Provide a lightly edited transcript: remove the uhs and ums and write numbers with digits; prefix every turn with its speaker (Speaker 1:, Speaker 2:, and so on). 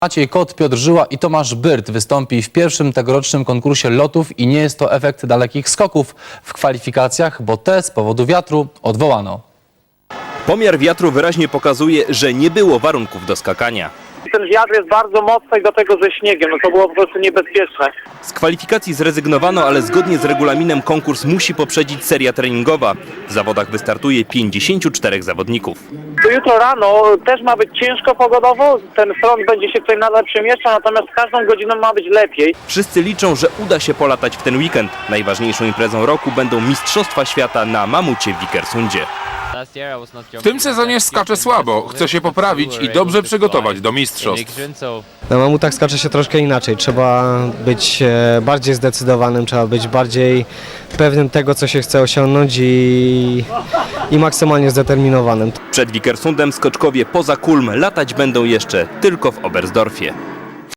Speaker 1: Maciej Kot, Piotr Żyła i Tomasz Byrt wystąpi w pierwszym tegorocznym konkursie lotów i nie jest to efekt dalekich skoków w kwalifikacjach, bo te z powodu wiatru odwołano.
Speaker 2: Pomiar wiatru wyraźnie pokazuje, że nie było warunków do skakania.
Speaker 3: Ten wiatr jest bardzo mocny i do tego ze śniegiem, no to było po prostu niebezpieczne.
Speaker 2: Z kwalifikacji zrezygnowano, ale zgodnie z regulaminem konkurs musi poprzedzić seria treningowa. W zawodach wystartuje 54 zawodników.
Speaker 3: To jutro rano też ma być ciężko pogodowo, ten front będzie się tutaj nadal przemieszczał, natomiast każdą godziną ma być lepiej.
Speaker 2: Wszyscy liczą, że uda się polatać w ten weekend. Najważniejszą imprezą roku będą Mistrzostwa Świata na mamucie w Vikersundzie.
Speaker 4: W tym sezonie skaczę słabo, chcę się poprawić i dobrze przygotować do mistrzostw.
Speaker 5: Na mamutach skacze się troszkę inaczej, trzeba być bardziej zdecydowanym, trzeba być bardziej pewnym tego, co się chce osiągnąć i maksymalnie zdeterminowanym.
Speaker 2: Przed Vikersundem skoczkowie poza Kulm latać będą jeszcze tylko w Oberstdorfie.